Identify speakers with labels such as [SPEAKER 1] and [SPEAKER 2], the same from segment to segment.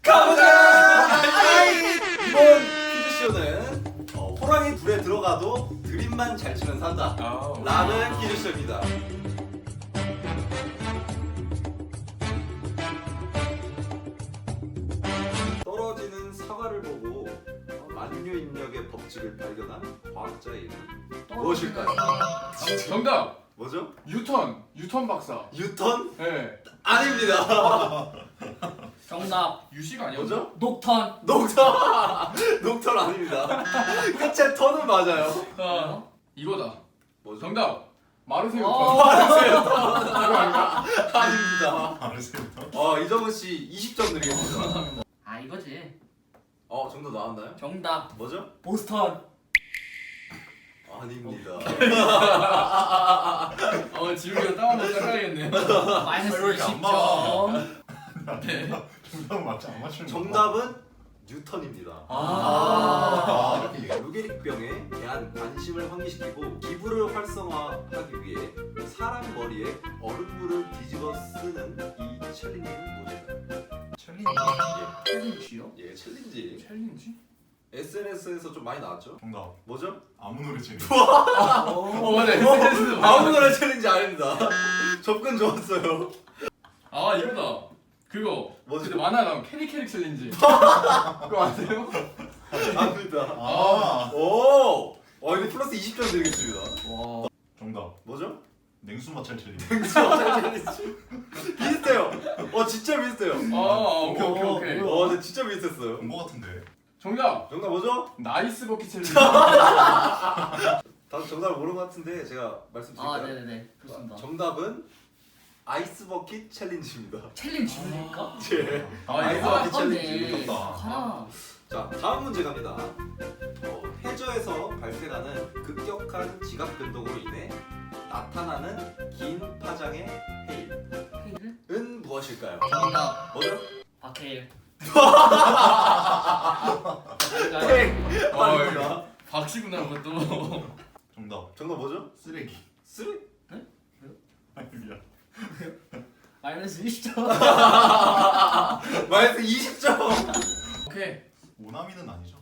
[SPEAKER 1] 가보자! 이번 퀴즈쇼는 호랑이 불에 들어가도 드림만 잘 치면 산다 라는 퀴즈쇼입니다. 떨어지는 사과를 보고 만유인력의 법칙을 발견한 과학자의 이름 무엇일까요?
[SPEAKER 2] 정답!
[SPEAKER 1] 뭐죠?
[SPEAKER 2] 유턴 박사.
[SPEAKER 1] 유턴?
[SPEAKER 2] 네.
[SPEAKER 1] 아닙니다.
[SPEAKER 3] 정답
[SPEAKER 2] 유식 아니야?
[SPEAKER 1] 뭐죠?
[SPEAKER 3] 녹턴.
[SPEAKER 1] 녹턴 아닙니다. 끝에 턴은 맞아요.
[SPEAKER 2] 이거다.
[SPEAKER 1] 뭐죠?
[SPEAKER 2] 정답! 마르세유
[SPEAKER 3] 어.
[SPEAKER 2] 턴.
[SPEAKER 1] 이거 아닙니다.
[SPEAKER 4] 알았어요.
[SPEAKER 1] 이정은 씨 20점 드리겠습니다.
[SPEAKER 3] 아 이거지.
[SPEAKER 1] 정답 나왔나요?
[SPEAKER 3] 정답
[SPEAKER 1] 뭐죠?
[SPEAKER 3] 보스턴.
[SPEAKER 1] 아닙니다.
[SPEAKER 2] 지우개가 따와놓고 헷갈리겠네.
[SPEAKER 3] 마이너스
[SPEAKER 4] 왜 이렇게 안
[SPEAKER 3] 20점.
[SPEAKER 2] 네.
[SPEAKER 4] 정답 맞지 안 맞추는 거.
[SPEAKER 1] 정답은 뉴턴입니다.
[SPEAKER 4] 이렇게
[SPEAKER 1] 루게릭병에 대한 관심을 환기시키고 기부를 활성화하기 위해 사람 머리에 얼음물을 뒤집어 쓰는 이 챌린지는 무엇일까요?
[SPEAKER 4] 챌린지.
[SPEAKER 3] 챌린지요?
[SPEAKER 1] 예, 챌린지.
[SPEAKER 2] 챌린지?
[SPEAKER 1] SNS에서 좀 많이 나왔죠?
[SPEAKER 4] 정답.
[SPEAKER 1] 뭐죠?
[SPEAKER 4] 아무 노래 챌린지.
[SPEAKER 2] 맞아. SNS도
[SPEAKER 1] 아무 노래 챌린지 아닙니다. 접근 좋았어요.
[SPEAKER 2] 이거다. 그거.
[SPEAKER 1] 뭐지?
[SPEAKER 2] 그때 만화 나온 캐릭 챌린지. 그거 아세요?
[SPEAKER 1] 아닙니다. 오! 이거 플러스 20점 드리겠습니다.
[SPEAKER 3] 와.
[SPEAKER 4] 정답.
[SPEAKER 1] 뭐죠?
[SPEAKER 4] 냉수 마찰 챌린지.
[SPEAKER 1] 챌린지. 비슷해요. 진짜 비슷해요.
[SPEAKER 2] 오케이.
[SPEAKER 1] 근데 진짜 비슷했어요.
[SPEAKER 4] 본거 같은데.
[SPEAKER 2] 정답!
[SPEAKER 1] 정답 뭐죠?
[SPEAKER 2] 나이스 버킷 챌린지.
[SPEAKER 1] 다들 정답을 모르는 것 같은데 제가 말씀드릴까요?
[SPEAKER 3] 네네네. 좋습니다.
[SPEAKER 1] 정답은 아이스 버킷 챌린지입니다.
[SPEAKER 3] 챌린지입니까?
[SPEAKER 1] 예. 아이스
[SPEAKER 2] 이거
[SPEAKER 1] 버킷 챌린지.
[SPEAKER 3] 하나.
[SPEAKER 1] 자, 다음 문제 갑니다. 해저에서 발생하는 급격한 지각 변동으로 인해 나타나는 긴 파장의
[SPEAKER 3] 헤이를?
[SPEAKER 1] 해일은 무엇일까요?
[SPEAKER 3] 정답
[SPEAKER 1] 뭐죠?
[SPEAKER 3] 박해일.
[SPEAKER 1] 땡! 아닙니다.
[SPEAKER 2] 박씨구나 그것도.
[SPEAKER 4] 정답.
[SPEAKER 1] 정답 뭐죠?
[SPEAKER 4] 쓰레기.
[SPEAKER 1] 쓰리?
[SPEAKER 4] 아니 미안.
[SPEAKER 3] 마이너스 20점.
[SPEAKER 1] 마이너스 20점!
[SPEAKER 2] 오케이.
[SPEAKER 4] 오나미는 아니죠.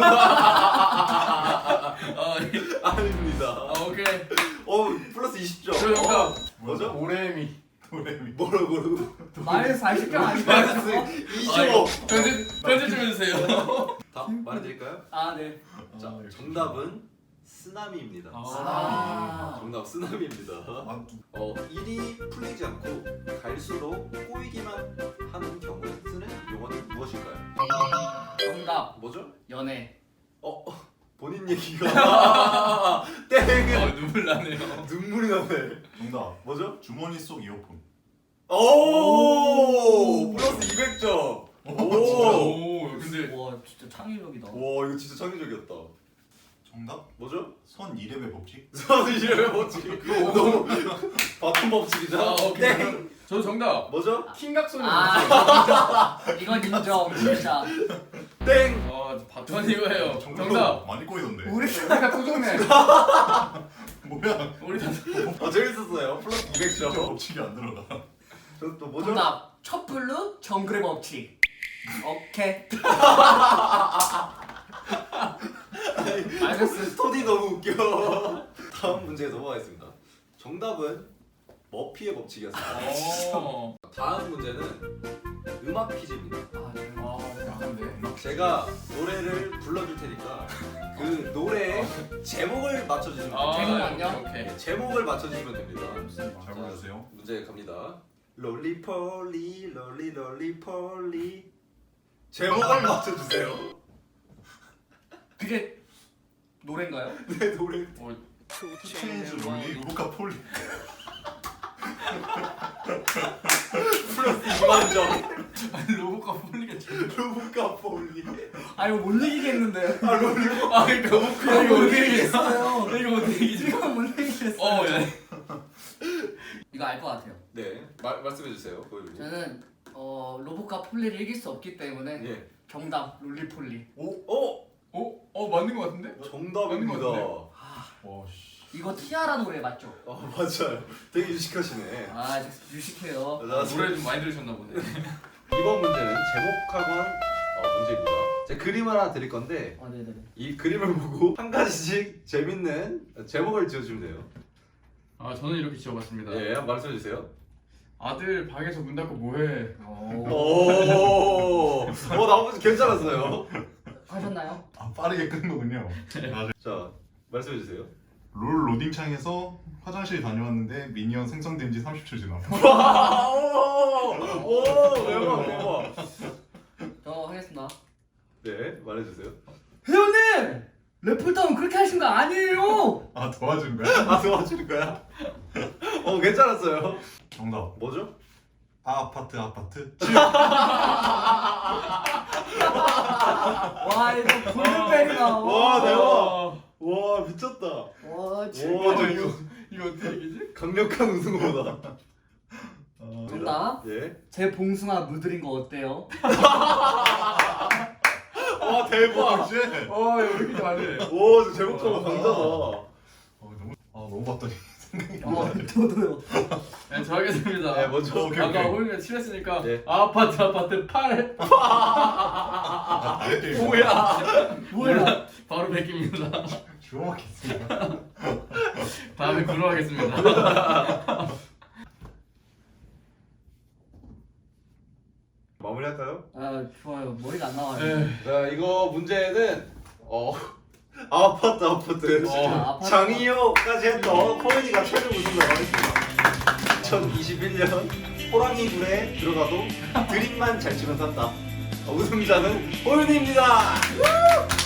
[SPEAKER 1] 아닙니다.
[SPEAKER 2] 오케이.
[SPEAKER 1] 플러스 20점.
[SPEAKER 2] 저 정답.
[SPEAKER 1] 뭐죠?
[SPEAKER 2] 오레미.
[SPEAKER 4] 도레미.
[SPEAKER 1] 뭐라고?
[SPEAKER 3] 마이너스 40점 아니에요?
[SPEAKER 1] 마이너스 25!
[SPEAKER 2] 편집 좀 해주세요.
[SPEAKER 1] 답 말해드릴까요?
[SPEAKER 3] 아 네.
[SPEAKER 1] 자,
[SPEAKER 4] 역시.
[SPEAKER 1] 정답은 쓰나미입니다.
[SPEAKER 3] 아.
[SPEAKER 1] 정답 쓰나미입니다. 일이 풀리지 않고 갈수록 꼬이기만 하는 경우에 쓰는 용어는 무엇일까요?
[SPEAKER 3] 정답
[SPEAKER 1] 뭐죠?
[SPEAKER 3] 연애.
[SPEAKER 1] 본인 얘기가 땡!
[SPEAKER 2] 눈물 나네요.
[SPEAKER 1] 눈물이 나네.
[SPEAKER 4] 정답.
[SPEAKER 1] 뭐죠?
[SPEAKER 4] 주머니 속 이어폰.
[SPEAKER 1] 오! 플러스 200점. 오!
[SPEAKER 2] 근데
[SPEAKER 3] 와 진짜 창의력이다.
[SPEAKER 1] 와, 이거 진짜 창의적이었다.
[SPEAKER 4] 정답.
[SPEAKER 1] 뭐죠?
[SPEAKER 4] 선 2렙의 법칙.
[SPEAKER 1] 선수 이름의 법칙. 너무 바쁜 법칙이죠?
[SPEAKER 2] 오케이.
[SPEAKER 1] 땡!
[SPEAKER 2] 저 정답.
[SPEAKER 1] 뭐죠?
[SPEAKER 2] 킹각소년.
[SPEAKER 3] 이건 인정 진짜.
[SPEAKER 1] 땡!
[SPEAKER 2] 전 이거예요. 정답.
[SPEAKER 4] 많이 꼬이던데.
[SPEAKER 2] 우리가 토종네.
[SPEAKER 4] 뭐야?
[SPEAKER 2] 우리 다.
[SPEAKER 1] 재밌었어요. 플러스 200점.
[SPEAKER 4] 법칙이 안 들어가.
[SPEAKER 1] 또 뭐죠?
[SPEAKER 3] 정답 촛불로 정글의 법칙. 오케이.
[SPEAKER 1] 마이너스 스토리 너무 웃겨. 다음 문제에 넘어가겠습니다. 정답은 머피의 법칙이었습니다. 다음 문제는 음악 퀴즈입니다.
[SPEAKER 2] 약한데.
[SPEAKER 1] 제가 노래를 불러줄 테니까 그 노래의 제목을 맞춰주시면 됩니다.
[SPEAKER 3] 제목은요?
[SPEAKER 2] 오케이.
[SPEAKER 1] 제목을 맞춰주시면 됩니다.
[SPEAKER 4] 잘 보세요.
[SPEAKER 1] 문제 갑니다. 롤리폴리 롤리폴리 제목을 맞춰주세요.
[SPEAKER 3] 그게 노래인가요?
[SPEAKER 1] 내 노래
[SPEAKER 4] 체인즈 롤리 루카 폴리.
[SPEAKER 1] 플러스 2만점.
[SPEAKER 2] 아니 로봇과 폴리겠지.
[SPEAKER 1] 루카 폴리.
[SPEAKER 3] 아 이거 못 이기겠는데.
[SPEAKER 1] 롤리.
[SPEAKER 2] 그러니까 이거 못 이기겠어요. 이거 못 이기지.
[SPEAKER 3] 이거 못 이기겠어요.
[SPEAKER 2] 야.
[SPEAKER 3] 이거 알 것 같아요.
[SPEAKER 1] 네, 말씀해주세요. 보여주세요.
[SPEAKER 3] 저는 로봇과 폴리를 이길 수 없기 때문에
[SPEAKER 1] 예.
[SPEAKER 3] 정답 롤리폴리.
[SPEAKER 2] 맞는 거 같은데?
[SPEAKER 1] 정답입니다.
[SPEAKER 4] 와 씨.
[SPEAKER 3] 이거 티아라 노래 맞죠?
[SPEAKER 1] 맞아요. 되게 유식하시네.
[SPEAKER 3] 아 유식해요.
[SPEAKER 1] 자,
[SPEAKER 2] 노래 좀 많이 들으셨나 보네.
[SPEAKER 1] 이번 문제는 제목학원 문제입니다. 제가 그림 하나 드릴 건데
[SPEAKER 3] 네네네.
[SPEAKER 1] 이 그림을 보고 한 가지씩 재밌는 제목을 지어주면 돼요.
[SPEAKER 2] 아 저는 이렇게 지어봤습니다.
[SPEAKER 1] 예, 한번 말씀해 주세요.
[SPEAKER 2] 아들 방에서 문 닫고 뭐해?
[SPEAKER 1] 오, 나머지 괜찮았어요.
[SPEAKER 3] 하셨나요?
[SPEAKER 4] 아 빠르게 끄는 거군요. 아,
[SPEAKER 1] 자, 말씀해 주세요.
[SPEAKER 4] 롤 로딩창에서 화장실 다녀왔는데 미니언 생성된 지 30초 지나.
[SPEAKER 1] 와, 오, 대박, 대박.
[SPEAKER 3] 저 하겠습니다.
[SPEAKER 1] 네, 말해주세요.
[SPEAKER 3] 회원님! 래플다운 그렇게 하신 거 아니에요!
[SPEAKER 4] 아 도와준 거야?
[SPEAKER 1] 아, 도와줄 거야? 괜찮았어요.
[SPEAKER 4] 정답.
[SPEAKER 1] 뭐죠?
[SPEAKER 4] 아파트.
[SPEAKER 3] 와 이거 골든벨이다.
[SPEAKER 1] 와, 대박.
[SPEAKER 2] 아,
[SPEAKER 1] 와, 미쳤다.
[SPEAKER 3] 와 진짜.
[SPEAKER 1] 와, 저
[SPEAKER 2] 이거 어떻게 얘기지?
[SPEAKER 1] 강력한 우승호다.
[SPEAKER 3] 정답.
[SPEAKER 1] 예.
[SPEAKER 3] 제 봉숭아 물들인 거 어때요?
[SPEAKER 1] 와, 대박.
[SPEAKER 4] 쉣.
[SPEAKER 2] 이거 왜 이렇게 잘해?
[SPEAKER 1] 오, 저 제목처럼 강자다.
[SPEAKER 4] 너무 봤더니
[SPEAKER 3] 저도요.
[SPEAKER 2] 네, 저 하겠습니다.
[SPEAKER 1] 네, 먼저.
[SPEAKER 4] 오케이,
[SPEAKER 2] 아까
[SPEAKER 4] 오케이.
[SPEAKER 2] 홀면 칠했으니까
[SPEAKER 1] 네.
[SPEAKER 2] 아파트 8.
[SPEAKER 3] 뭐야?
[SPEAKER 2] 바로 베낍니다.
[SPEAKER 4] 주워 먹겠습니다.
[SPEAKER 2] 다음에 구로하겠습니다.
[SPEAKER 1] 마무리할까요?
[SPEAKER 3] 아 좋아요. 머리가 안 나와요.
[SPEAKER 2] 네.
[SPEAKER 1] 자, 이거 문제는 아파트
[SPEAKER 3] 아파트.
[SPEAKER 1] 장이호까지 했던 코미디가 최종 우승자가 하겠습니다. 2021년 호랑이 굴에 들어가도 드립만 잘 치면 산다. 우승자는 호윤이입니다.